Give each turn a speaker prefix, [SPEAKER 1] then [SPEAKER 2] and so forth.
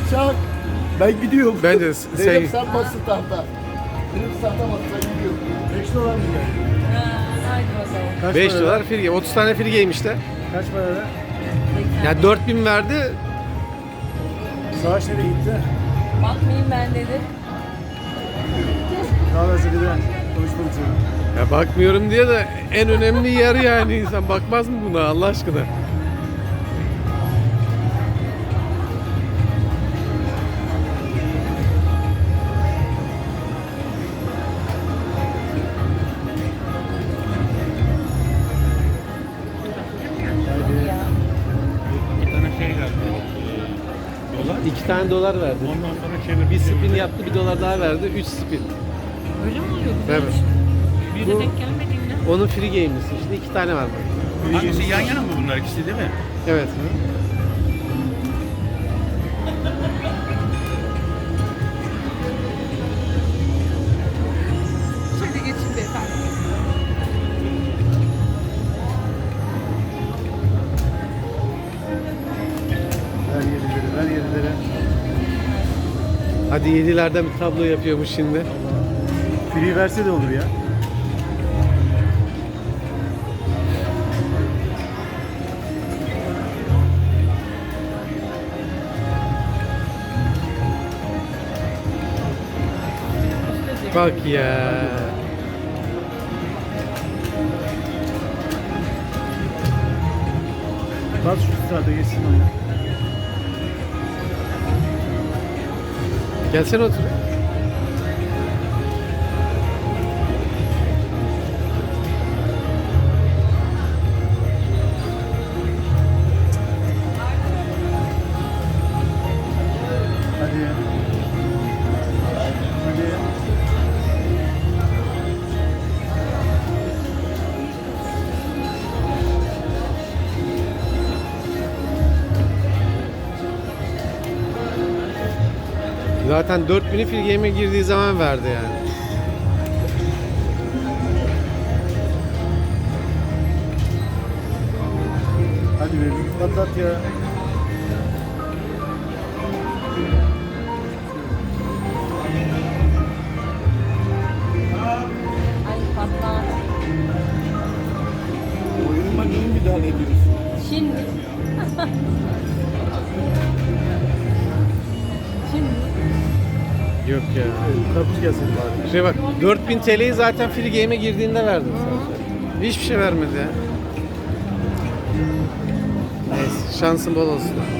[SPEAKER 1] Çak. Ben gidiyorum.
[SPEAKER 2] Bence
[SPEAKER 1] Dedim
[SPEAKER 2] sen...
[SPEAKER 1] sen basın tahta. Benim tahta basın gidiyorum.
[SPEAKER 3] 5 dolar mı geldi?
[SPEAKER 4] Haydi bakalım.
[SPEAKER 3] Kaç
[SPEAKER 2] 5
[SPEAKER 3] para?
[SPEAKER 2] dolar free game. 30 tane free game işte.
[SPEAKER 3] Kaç para?
[SPEAKER 2] Yani 4000 verdi.
[SPEAKER 3] Savaş nereye gitti?
[SPEAKER 4] Bakmayayım ben dedi.
[SPEAKER 3] Kahve Zeli'den konuşmak için.
[SPEAKER 2] Ya bakmıyorum diye de en önemli yer yani. İnsan bakmaz mı buna Allah aşkına?
[SPEAKER 4] Ya.
[SPEAKER 5] Bir tane şey geldi. Dolar.
[SPEAKER 2] 2 tane dolar verdi.
[SPEAKER 5] Ondan sonra çevir.
[SPEAKER 2] Bir spin yaptı, bir dolar daha verdi. 3 spin.
[SPEAKER 4] Öyle mi oluyor?
[SPEAKER 2] Evet.
[SPEAKER 4] Bir de denk gelmediğinde.
[SPEAKER 2] Onun free game'lisi işte 2 tane var.
[SPEAKER 5] Hangisi yan yana mı bunlar ikisi değil mi?
[SPEAKER 2] Evet.
[SPEAKER 4] Şimdi geçin beyefendi.
[SPEAKER 3] Ver 7'leri, ver 7'leri.
[SPEAKER 2] Hadi 7'lerden bir tablo yapıyormuş şimdi.
[SPEAKER 3] Free verse de olur ya.
[SPEAKER 2] Bak ya.
[SPEAKER 3] Bas şu sırada geçsin oyna.
[SPEAKER 2] Gelsene otur.
[SPEAKER 3] Hadi. Hadi.
[SPEAKER 2] Zaten 4000'i free game'e girdiği zaman verdi yani.
[SPEAKER 3] Hadi be bir patlat ya.
[SPEAKER 4] Ay patlar.
[SPEAKER 1] Oyunuma niye müdahale ediyorsun?
[SPEAKER 4] Şimdi. Şimdi.
[SPEAKER 2] Yok ya.
[SPEAKER 3] Karpuz gelsin bari.
[SPEAKER 2] Şey bak 4000 TL'yi zaten free game'e girdiğinde verdi. Hiçbir şey vermedi ya. Neyse şansın bol olsun.